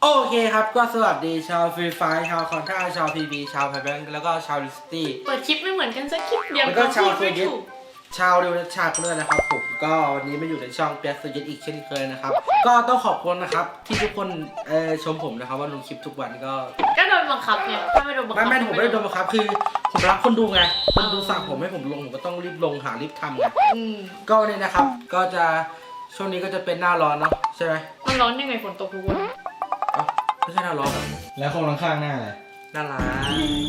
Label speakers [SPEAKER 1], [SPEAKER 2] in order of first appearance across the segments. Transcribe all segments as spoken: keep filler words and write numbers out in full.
[SPEAKER 1] โอเคครับก็สวัสดีชาวฟรีไฟชาวคอนท่าชาวพีบีชาวไพแบงค์แล้วก็ชาวลิสตี้
[SPEAKER 2] เปิดคลิปไม่เหมือนกันสักคลิปเดียว
[SPEAKER 1] แล้วก็ชาวโซ
[SPEAKER 2] ไม่
[SPEAKER 1] เยต
[SPEAKER 2] ถูก
[SPEAKER 1] ชาวดิวชาด้วยนะครับผมก็วันนี้มาอยู่ในช่องเปียกโซเยตอีกเช่นเคยนะครับก็ต้องขอบคุณนะครับที่ทุกคนเอ่อชมผมนะครับว่าลงคลิปทุกวันก็
[SPEAKER 2] ก็โดนบังคับไงถ้าไม่โดนบังคั
[SPEAKER 1] ไม่ไม่ผมไม่ได้โดนบังคับคือผมรักคนดูไงคนดูสั่งผมให้ผมลงผมก็ต้องรีบลงหารีบทำไง
[SPEAKER 2] อืม
[SPEAKER 1] ก็วันนี้นะครับก็จะช่วงนี้ก็จะเป็นหน้าร้อนเนาะใช่ไหม
[SPEAKER 2] มันร้อนยังไงฝนตกทุกวัน
[SPEAKER 1] อ๋อไม่ใช่หน้าร้อนเหรอ
[SPEAKER 3] แล้วคนข้างๆหน้าอะไร
[SPEAKER 1] น่ารัก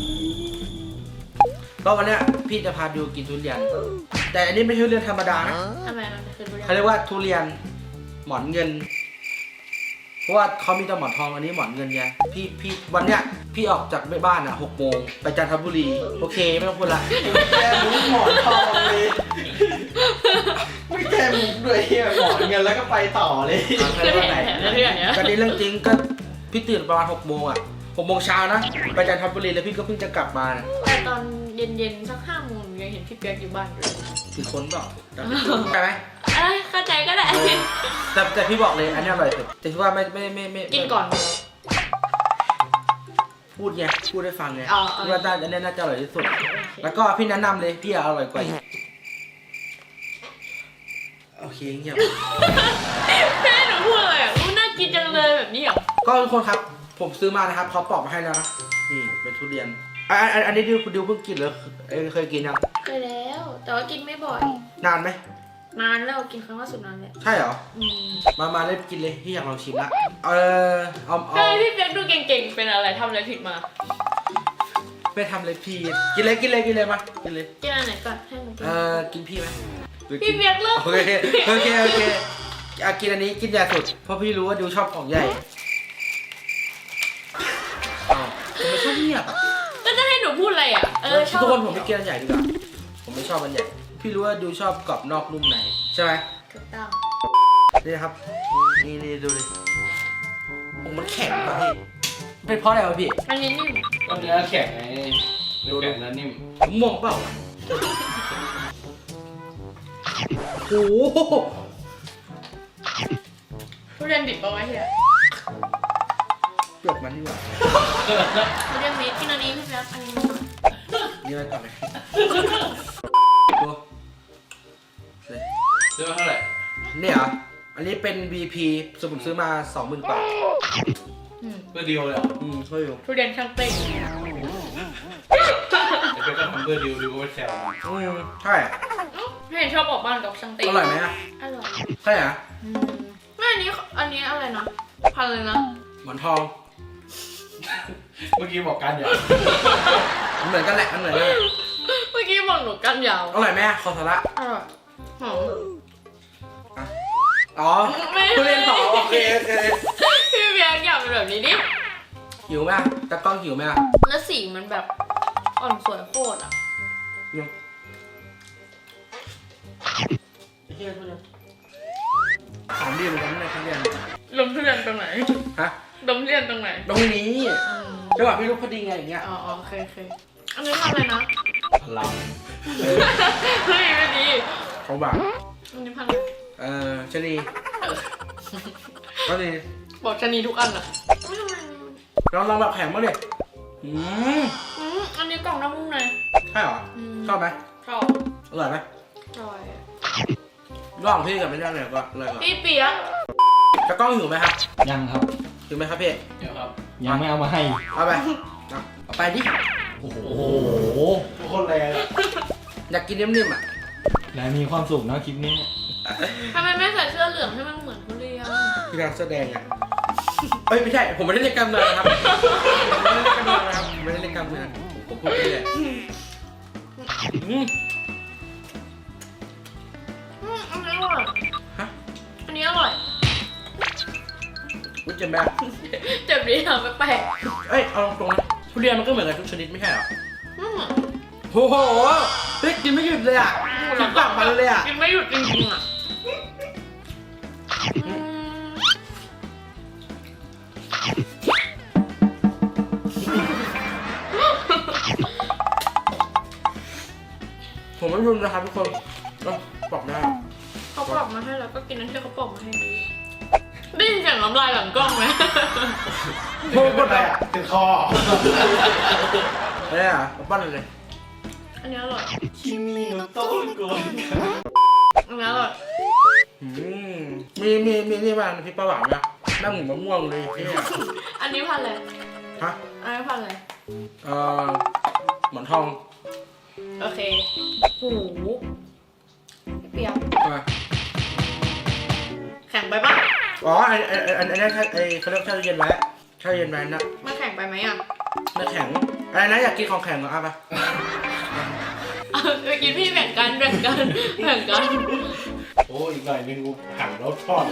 [SPEAKER 1] ก็วันเนี้ยพี่จะพาดูกินทุเรียน แต่อันนี้ไม่ใช่ทุเรียนธรรมดานะ
[SPEAKER 2] ทำไมมันคือทุเรียน
[SPEAKER 1] เขาเรียกว่าทุเรียนหมอนเงิน เพราะว่าเขามีแต่หมอนทองอันนี้หมอนเงินไงพี่พี่วันเนี้ยพี่ออกจากบ้านอ่ะหกโมงไปจันทบุรีโอเคไม่ต้องพูดละ
[SPEAKER 3] แก้มุกหมอนทองเลยไม่แก้มุกด้วยเฮียหมอนเงินแล้วก็ไปต่อเลย
[SPEAKER 1] ใครว่าไหน
[SPEAKER 2] เรื่องเนี้ย
[SPEAKER 1] ก็นี้เรื่องจริงก็พี่ตื่นประมาณหกโมงอ่ะหกโมงเช้านะไปจันทบุรีแล้วพี่ก็เพิ่งจะกลับมานะ
[SPEAKER 2] แต่ตอนเย็นๆสักห้าโมงยังเห็นพี่เปียกอยู่บ้านอยู่
[SPEAKER 1] คือคนเปล่าจำไม่ได้ใช่ไหม
[SPEAKER 2] เอ้ยเข้าใจก็ได้
[SPEAKER 1] แต่แต่พี่บอกเลยอันนี้อร่อยสุดแต่ที่ว่าไม่ไม่ไม่ไม่
[SPEAKER 2] กินก่อน
[SPEAKER 1] พูดไงพูดให้ฟังไง
[SPEAKER 2] อ๋ออ๋อ
[SPEAKER 1] ว่าน่าอันนี้น่าจะอร่อยที่สุด แล้วก็พี่แนะนำเลยพี่อร่อยกว่าโอเคเงียบ
[SPEAKER 2] แม่หนูพูดอะไรอ่ะรู้น่ากินจังเลยแบบนี้เหรอ
[SPEAKER 1] ก็ทุกคนครับผมซื้อมานะครับเขาปอกมาให้แล้วนะนี่เป็นทุเรียนอ่ะอันอันนี้ดิวดิวเพิ่งกินเหรอเอ้ยเคยกินยัง
[SPEAKER 2] เคยแล้ว แต่ว่ากินไม่บ่อย
[SPEAKER 1] นานไหม
[SPEAKER 2] นานแล้วกินครั้งล่าสุดนานแล้ว
[SPEAKER 1] ใช่เหรอ
[SPEAKER 2] อืม
[SPEAKER 1] มามาได้กินเลยพี่อยากลองชิมละเออเอาเอา
[SPEAKER 2] ทำไมพี่เปียกดูเก่งๆเป็นอะไรทำอะไรผิดมา
[SPEAKER 1] ไปทำเลยพี่กินเลยกินเลยกินเลยมากินเลย
[SPEAKER 2] กินอันไหนก่อนให้หนูกิน
[SPEAKER 1] เออกินพี่ไหมหรือ
[SPEAKER 2] พี่เปียกเลิก
[SPEAKER 1] โอเคโอเคโอเคอ่ะกินอันนี้กินใหญ่สุดเพราะพี่รู้ว่าดิวชอบของใหญ่อ้าวทำไมชอบเงียบอ่ะ
[SPEAKER 2] ก็จะให้หนูพูดอะไรอ่ะ เออชอบ
[SPEAKER 1] ทุกคนผมไม่กินอันใหญ่ดีกว่าผมไม่ชอบอันใหญ่พี่รู้ว่าดิวชอบกรอบนอกนุ่มในใช่ไหม
[SPEAKER 2] ถูกต้อง
[SPEAKER 1] นี่ครับนี่นี่ดูดิโอ้มันแข็งมากพี่เป็นเพราะอะไรวะพี่
[SPEAKER 2] อันนี้นิ่ม
[SPEAKER 3] ก็เนื้อแข็งไงเนื้อแข็งแล้วนิ่ม
[SPEAKER 1] ผมม่วงเปล่าโอ้โห
[SPEAKER 2] ทุเรียนดิบเอาไว้เถอะ
[SPEAKER 1] เปลือกมันดีกว่า
[SPEAKER 2] ทุเรียนเม็ดกินอันนี้พี่แป๊บอันนี้
[SPEAKER 1] นี่ไว้ก่อนไหมตัวเลย
[SPEAKER 3] ซื้อมาเท่าไหร่
[SPEAKER 1] เนี่ยเหรออันนี้เป็น วี พี สมมติซื้อมาสองหมื่นบาท
[SPEAKER 2] อืม
[SPEAKER 3] เพื่อดิวเลยเหรอ
[SPEAKER 1] อืมช่วยอยู่
[SPEAKER 2] ทุเรียนช่างเต้น
[SPEAKER 3] แต่เพื่อนก็ทำเพื่อดิวดิวก็ไม่แซว
[SPEAKER 1] อืมใช่อะ
[SPEAKER 2] ไม่เห็นชอบออกบ้านกับช่างเต้น
[SPEAKER 1] อร่อยไหมอ่ะ
[SPEAKER 2] อร่อย
[SPEAKER 1] ใช่อ่ะ
[SPEAKER 2] อืมไม่อันนี้อันนี้อะไรนะพันเลยนะ
[SPEAKER 1] หมอนทอง
[SPEAKER 3] เมื่อกี้บอกกันอย่า
[SPEAKER 1] มันเหมือนกันแหละมันเหมือนกันแหละ
[SPEAKER 2] เมื่อกี้บอกหนูกันยาว
[SPEAKER 1] อร่อยไหมอะคอสาระ
[SPEAKER 2] อร่อยหอม
[SPEAKER 1] อ๋อ
[SPEAKER 2] ไม่
[SPEAKER 1] ทุเรียนหอมโอเคโอเค
[SPEAKER 2] พี่เบียร์อยากเป็นแบบนี้ดิ
[SPEAKER 1] หิวไหมอะตะกล้องหิวไหมอะ
[SPEAKER 2] แล้วสีมันแบบอ่อนสวยโคตรอ่ะ
[SPEAKER 1] เนี่ยไอ้เหี้ยทุเรียนหอมดีเหมือนกันนะทุเรียน
[SPEAKER 2] ลมทุเรียนตรงไหน
[SPEAKER 1] ฮะ
[SPEAKER 2] ลมทุเรียนตรงไหน
[SPEAKER 1] ตรงนี้
[SPEAKER 2] อืม
[SPEAKER 1] จังหวะพี่ลูกพอดีไงอย่างเงี้ย
[SPEAKER 2] อ๋ออ๋อโอเคโอเคอันนี้ทำอะไรนะ
[SPEAKER 3] พลัง
[SPEAKER 2] เฮ้ยไม่ดี
[SPEAKER 1] เขาบอก
[SPEAKER 2] อันนี้พัน
[SPEAKER 1] เออชะนีก็ดี
[SPEAKER 2] บอกชะนีทุกอันอ่ะไม่ทำไม
[SPEAKER 1] ลองลองแบบแข็งบ้างดิอืม
[SPEAKER 2] อืมอันนี้กล่องน้ำมุ้งใน
[SPEAKER 1] ใช่เหรอ
[SPEAKER 2] อืม
[SPEAKER 1] ชอบไหม
[SPEAKER 2] ชอบ
[SPEAKER 1] อร่อยไหม
[SPEAKER 2] อร่อยอะ
[SPEAKER 1] ระหว่างพี่กับไม่ได้เลยก็เลยก่อน
[SPEAKER 2] พี่เปียก
[SPEAKER 1] ตะกล้องหิวไหมครับ
[SPEAKER 3] ยังครับ
[SPEAKER 1] หิวไหมครับพี่
[SPEAKER 3] เดี๋ยวครับ ยังไม่เอามาให้
[SPEAKER 1] เอาไปเอาเอาไปดิ
[SPEAKER 3] โอ้โหทุกคนแรง
[SPEAKER 1] อยากกินนิ่มๆอ่ะ
[SPEAKER 3] นายมีความสุขนะคลิปนี้
[SPEAKER 2] ทำไมไม่ใส่เสื้อเหลืองให้มันเหมือนทุเรียน
[SPEAKER 1] พี่การแสดงอ่ะเอ้ยไม่ใช่ผมไม่ได้เล่นกล้ามเนื้อนะครับผมไม่ได้เล่นกล้ามเนื้อนะครับผมไม่ได้เล่นกล้ามเนื้อผมพูดไปเลยอืม
[SPEAKER 2] อืมอันนี้อร่อย
[SPEAKER 1] ฮะ
[SPEAKER 2] อันนี้อร่อย
[SPEAKER 1] อุ้ยเจ็บแม่
[SPEAKER 2] เจ็บดีทำแปลก
[SPEAKER 1] เอ้ยเอาตรงๆนะทุเรียนมันก็เหมือนกันทุกชนิดไม่ใช่เหรอ
[SPEAKER 2] ๆอืม
[SPEAKER 1] โอ้โหเฮ้ยกินไม่หยุดเลยอ่ะกินปากมันเลยอ่ะ
[SPEAKER 2] กินไม่หยุดจริงๆอ่ะอืม
[SPEAKER 1] ผมไม่รุนนะครับทุกคนก็บอกได้
[SPEAKER 2] เขาปอกมาให้แล้วก็กินนั่นที่เขาปอกมาให้ดีได้ยินเสียงน้ำลายหลังกล้องไหม
[SPEAKER 1] โอ้บนอะไรอ่ะ
[SPEAKER 3] ติดคอ
[SPEAKER 1] อะไรอ่ะบ้านอะไร
[SPEAKER 2] อันนี้อร่อย
[SPEAKER 3] คิมิโนโตะโกน
[SPEAKER 2] อันนี้อร่อย
[SPEAKER 1] อืมมีมีมีนี่บ้างพี่ปลาหวานนะนั่งหมูมะม่วงเลยเนี่ย
[SPEAKER 2] อันนี้พันอะไร
[SPEAKER 1] ฮะ
[SPEAKER 2] อันนี้พันอะไร
[SPEAKER 1] เอ่อหมอนทอง
[SPEAKER 2] โอเคหูพี่เปียก
[SPEAKER 1] มา
[SPEAKER 2] แข็งไปปะ
[SPEAKER 1] อ๋อไอ้ไอ้ไอ้ไอ้นั่นไอ้เขาเรียกแช่เย็นไว้แช่เย็นไว้นะ
[SPEAKER 2] มันแข็งไปไหมอ่ะ
[SPEAKER 1] ไม่แข็งอะไรนะอยากกินของแข็งเหรออ่ะไป
[SPEAKER 2] เอาไปกินพี่แบ่งกันแบ่งกันแบ่งกัน
[SPEAKER 3] โอ้อีกหน่อยนึงกูหั่นแล้วทอดเลย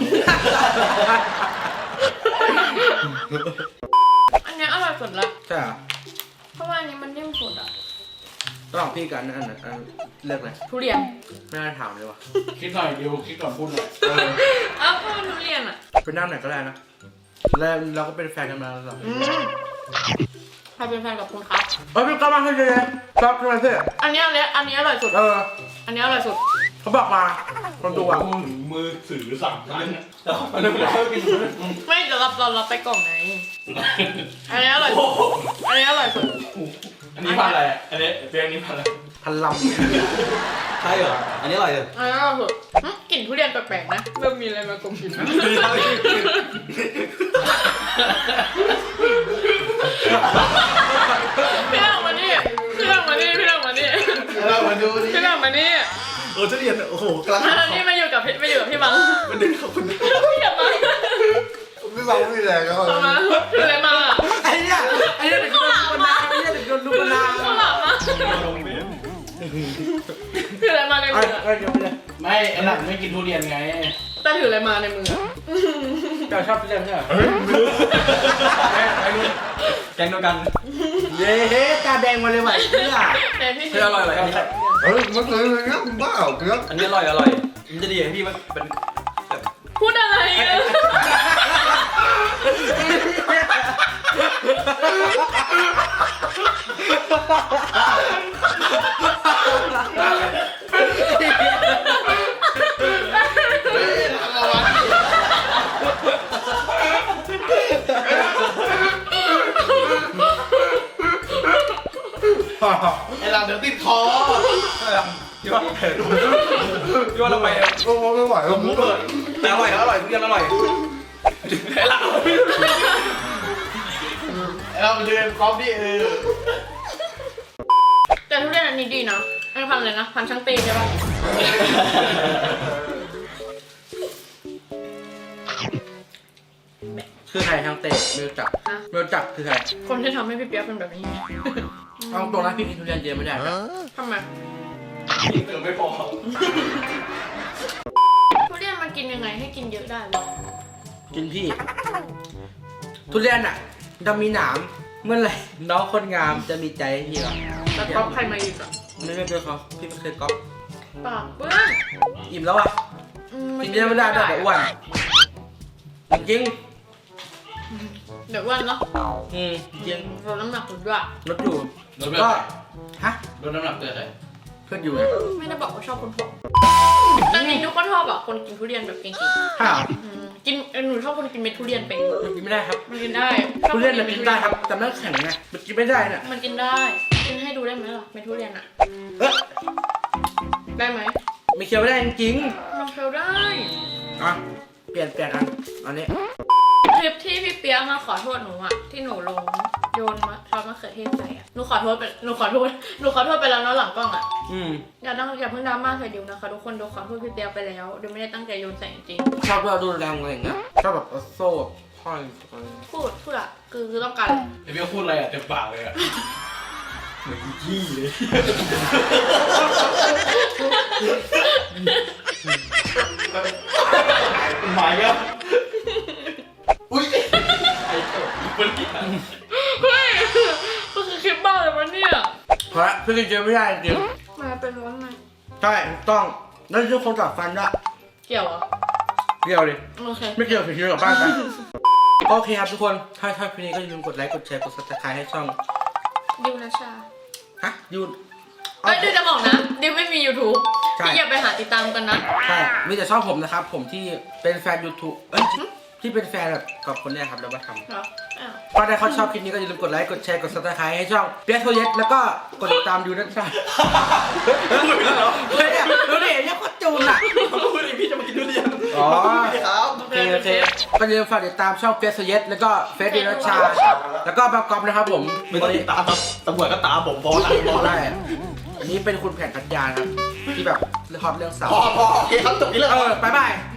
[SPEAKER 2] อันนี้อร่อยสุดละ
[SPEAKER 1] ใช่เหรอ
[SPEAKER 2] เพราะว่าอันนี้มันนิ่มสุดอ่ะ
[SPEAKER 1] ระหว่างพี่กันอันไหนอันเลือกเลย
[SPEAKER 2] ทุเรียน
[SPEAKER 1] ไม่น่าถามเลยว่ะ
[SPEAKER 3] คิดหน่อยดิวคิดก่อนพูดหน่อย
[SPEAKER 1] เออ
[SPEAKER 2] เอ้าวก็ทุเรียนอ่ะ
[SPEAKER 1] เป็นน้ำไหนก็ได้นะแล้วเราก็เป็นแฟนกันมาแล้วเหรอ
[SPEAKER 2] อืมใครเป็นแฟนกับคุณครับ
[SPEAKER 1] เอ้ยพี่ก็มาให้เลยชอบทำไมพี่
[SPEAKER 2] อันนี้อันนี้อันนี้อร่อยสุด
[SPEAKER 1] เออ
[SPEAKER 2] อันนี้อร่อยสุด
[SPEAKER 1] เขาบอกมาคนดูอ่ะ
[SPEAKER 3] มือถือสั่งกันแล้วมันไม่ได้กิน
[SPEAKER 2] ไม่เดี๋ยวรับเรารับไปกล่องไหน อันนี้อร่อยสุด อันนี้อร่อยสุด
[SPEAKER 3] อันนี้พันอะไรอันนี้เตียงนี้พันอะไร
[SPEAKER 1] พันล
[SPEAKER 4] ใช่เหรอ อันนี้อร่อยเลย
[SPEAKER 2] อันนี้อร่อยสุดหึกลิ่นทุเรียนแปลกๆนะเริ่มมีอะไรมากลมกลิ่นนะพี่หลังมานี่พี่หลังมานี่พี่หลังมานี่
[SPEAKER 3] เรามาดูดิ
[SPEAKER 2] พี่หลังมานี่
[SPEAKER 4] เออทุเรียนโอ้โหกำลัง
[SPEAKER 2] อันนี้มาอยู่กับพี่มาอยู่กับพี่บัง
[SPEAKER 4] มันดึงเข้าคน
[SPEAKER 2] พี่อย่ามา
[SPEAKER 4] ไม่เบาไม่แรงก็
[SPEAKER 2] เอามาถืออะไรมา
[SPEAKER 1] ำไอ้เนี่ยไอ้เนี่ยเด็กโดนลูกนาไอ้เนี่ยเด็กโดนลูกนา
[SPEAKER 2] ข้าวหลามมาถืออะไรมาใน
[SPEAKER 1] ไอ้
[SPEAKER 2] มือ
[SPEAKER 1] ไอ้เดี๋ยวไปเลย
[SPEAKER 3] ไม่ไอ้หลังไม่กินทุเรียนไง
[SPEAKER 2] แต่ถืออะไรมาในมือ
[SPEAKER 1] เจ้าชอบทุเรียนใช่ไหม
[SPEAKER 4] ไอ้ไอ้นู่นแกงเดียวกัน
[SPEAKER 1] เย้ตาแดงมาเลยว่ะไอ้เนี่ย
[SPEAKER 2] แต่พี่
[SPEAKER 4] เฮ้ยอร่อยเลยอันนี้
[SPEAKER 5] เฮ้ยมันเคยเลยนะคุณบ้าเหรอเกือบ
[SPEAKER 4] อันนี้อร่อยอร่อย มันจะดีให้พี่มันเป็น
[SPEAKER 2] พูดอะไรอะ
[SPEAKER 3] ไอ้หลังเดี๋ยวติดคอ
[SPEAKER 4] ที่ว่าที่ว่าเราไป
[SPEAKER 5] โอ้โหไม่ไหวแล้ว
[SPEAKER 4] มุกเลยแต่อร่อยอร่อยทุเรียนอร่อยไอ้เรา
[SPEAKER 3] ไอ้เราไปเดินกอล์ฟดิเออ
[SPEAKER 2] แต่ทุเรียนอันนี้ดีนะอันนี้พันเลยนะ พันช่างตีใช่ปะ
[SPEAKER 1] คือใครทางเตะเมลจับเมลจับคือใคร
[SPEAKER 2] คนที่ทำให้พี่เปียกเป็นแบบนี้
[SPEAKER 1] เอาตรงนะพี่กินทุเรียนเยอะไม่ได้นะ
[SPEAKER 2] ทำไม
[SPEAKER 3] กินเกือบไม่พอ
[SPEAKER 2] ทุเรียนมันกินยังไงให้กินเยอะได้วะ
[SPEAKER 1] กินพี่ ทุเรียนอ่ะจะมีหนามเมื่อไหร่น้องคนงามจะมีใจให้พี่หรอ
[SPEAKER 2] แล้วก๊อปใครมาอีกอ่ะ
[SPEAKER 1] ไม่ไม่เป็นเขาพี่ไม่เคยก๊อป
[SPEAKER 2] ปากเปื้อน
[SPEAKER 1] อิ่มแล้วอ่ะ
[SPEAKER 2] อืม
[SPEAKER 1] กินเยอะไม่ได้ด้วยเดี๋ยวอ้วนจริง
[SPEAKER 2] เดี๋ยวอ้วันเนาะ
[SPEAKER 1] อืมจริง
[SPEAKER 2] ลดน้ำหนักสุดด้วย
[SPEAKER 1] ลดอยู่
[SPEAKER 3] ลดไป
[SPEAKER 1] ก็ฮะ
[SPEAKER 3] ลดน้ำหนักเกินเลย
[SPEAKER 1] เพื่อนอยู่ไง
[SPEAKER 2] ไม่ได้บอกว่าชอบคนผอมแต่จริงทุกคนชอบอ่ะคนกินทุเรียนแบบเก่ง
[SPEAKER 1] ฮ่า
[SPEAKER 2] ๆอืมกินเออหนูชอบคนกินเม็ดทุเรียนเป็น
[SPEAKER 1] มันกินไม่ได้ครับ
[SPEAKER 2] มันกินได้
[SPEAKER 1] ทุเรียนมันกินได้ครับแต่ไม่แข็งไงมันกินไม่ได้เนี่ย
[SPEAKER 2] มันกินได้กินให้ดูได้ไหมล่ะเม็ดทุเรียนอ่ะ
[SPEAKER 1] เอ๊ะ
[SPEAKER 2] ได้ไหม
[SPEAKER 1] ไม่เคี้ยวไม่ได้จริง
[SPEAKER 2] มันเคี้ยวได้
[SPEAKER 1] ๆอ่ะเปลี่ยนเปลี่ยนอันอันนี้
[SPEAKER 2] คลิปที่พี่เปียกมาขอโทษหนูอ่ะที่หนูลงโยนมะซอสมะเขือเทศใส่อ่ะหนูขอโทษไปหนูขอโทษหนูขอโทษไปแล้วเนาะหลังกล้องอ่ะ
[SPEAKER 1] อืม
[SPEAKER 2] อย่าต้องอย่าเพิ่งดราม่าใส่ดิวนะคะทุกคนดิวขอโทษพี่เปียกไปแล้วดิวไม่ได้ตั้งใจโยนใส่จริง
[SPEAKER 1] ชอบเราดูแรงอะไรอย่างเงี้ยชอบแบบเอาโซ่ห้อยอะไร
[SPEAKER 2] พูดพูดอะคือคือต้องการอะไร
[SPEAKER 3] ไอ้เบี้ยพูดอะไรอ่ะเต็มปากเลยอ่ะเหมือนขี้เลยหมายก็อุ้ยไอ้ตัวมันกิน
[SPEAKER 2] เฮ้ยมันคือคลิปบ้าเลยวะเนี่ย
[SPEAKER 1] เพราะพี่กินเยอะไม่ได้จริง
[SPEAKER 2] มาเป็นร้อนไหม
[SPEAKER 1] ๆใช่ถูกต้องแล้วทุกคนจับฟันด้วย
[SPEAKER 2] เกี่ยวเหรอ่ะ
[SPEAKER 1] เกี่ยวดิ
[SPEAKER 2] โอเค
[SPEAKER 1] ไม่เกี่ยวผิดเกี่ยวกับบ้านไปโอเคครับทุกคน ถ้าชอบคลิปนี้ก็อย่าลืมกดไลค์ กดแชร์ กดซับสไครต์ให้ช่อง
[SPEAKER 2] ดิวนะชา
[SPEAKER 1] ฮะยูน
[SPEAKER 2] เอ้ยดิวจะบอกนะดิวไม่มี YouTube
[SPEAKER 1] ใช่
[SPEAKER 2] พี่อย่าไปหาติดตามกันนะ
[SPEAKER 1] ใช่ มีแต่ช่องผมนะครับ ผมที่เป็นแฟน YouTube เอ้ยที่ที่เป็นแฟนแบบกับคนเนี้ยครับเรามาทำ
[SPEAKER 2] เหรออ้าว
[SPEAKER 1] ก็ถ้าเขาชอบคลิปนี้ก็อย่าลืมกดไลค์กดแชร์กดซับสไครต์ให้ช่องเปียโทเยสแล้วก็กดติดตามดูนะจ๊ะเฮ้ยเนี่ยดูดิเนี่ยโคตรจูนอ่ะ
[SPEAKER 3] เขาพูดเองพี่จะมากินทุเรียน
[SPEAKER 1] อ๋อ
[SPEAKER 3] ครับ
[SPEAKER 1] โอเคโอเคก็อย่าลืมฝากติดตามช่องเปียโทเยสแล้วก็เฟซดินัชชาแล้วก็บางกอมนะครับผม
[SPEAKER 3] ไม่ต้องติดตามครับตำรวจก็ตามผมพอแล้วพอแล้ว
[SPEAKER 1] ได้อันนี้เป็นคุณแผนพัทยาครับที่แบบฮอตเรื่องสาว
[SPEAKER 3] พอพอโอเคครับจบนี้เลย
[SPEAKER 1] เออบายบาย